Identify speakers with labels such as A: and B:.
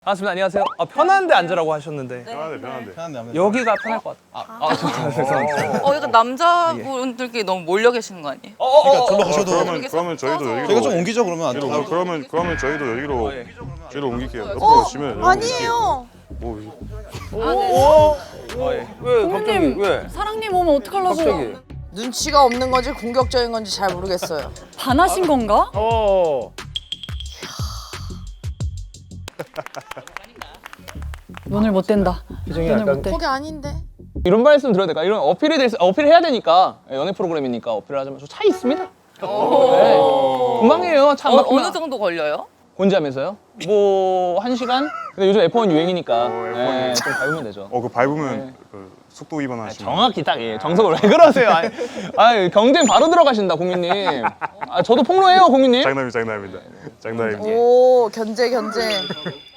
A: 반갑습니다. 안녕하세요. 편한데 앉으라고 하셨는데
B: 편한데.
A: 여기가 편할 것 같아요. 죄송합니다.
C: 약간 남자분들끼리 너무 몰려 계시는 거 아니에요?
B: 그러니까 절로 가셔도.
D: 그러면 저희도 여기로
B: 저희가 좀 옮기죠 그러면 안 돼요?
D: 그러면 저희도 여기로 옮길게요. 옆으로 오시면
E: 아니에요.
A: 왜 갑자기 왜?
E: 사랑님 오면 어떡하려고?
A: 갑자기?
E: 눈치가 없는 건지 공격적인 건지 잘 모르겠어요.
F: 반하신 건가? 눈을 못 뗀다. 눈을 못 떼.
E: 거기 아닌데.
A: 이런 말씀 드려야 될까? 이런 어필해야 되니까 연애 프로그램이니까 어필을 하자면 저 차 있습니다. 네. 금방이에요. 차 막
C: 어느 정도 걸려요?
A: 혼자면서요? 뭐 1시간? 근데 요즘 F1 유행이니까 네, 좀 밟으면 되죠.
D: 그 밟으면 그 속도 위반하시면
A: 정확히 딱 정석으로 왜 그러세요? 경쟁 바로 들어가신다 국민님. 저도 폭로해요 국민님.
D: 장난입니다.
E: 오 견제 견제.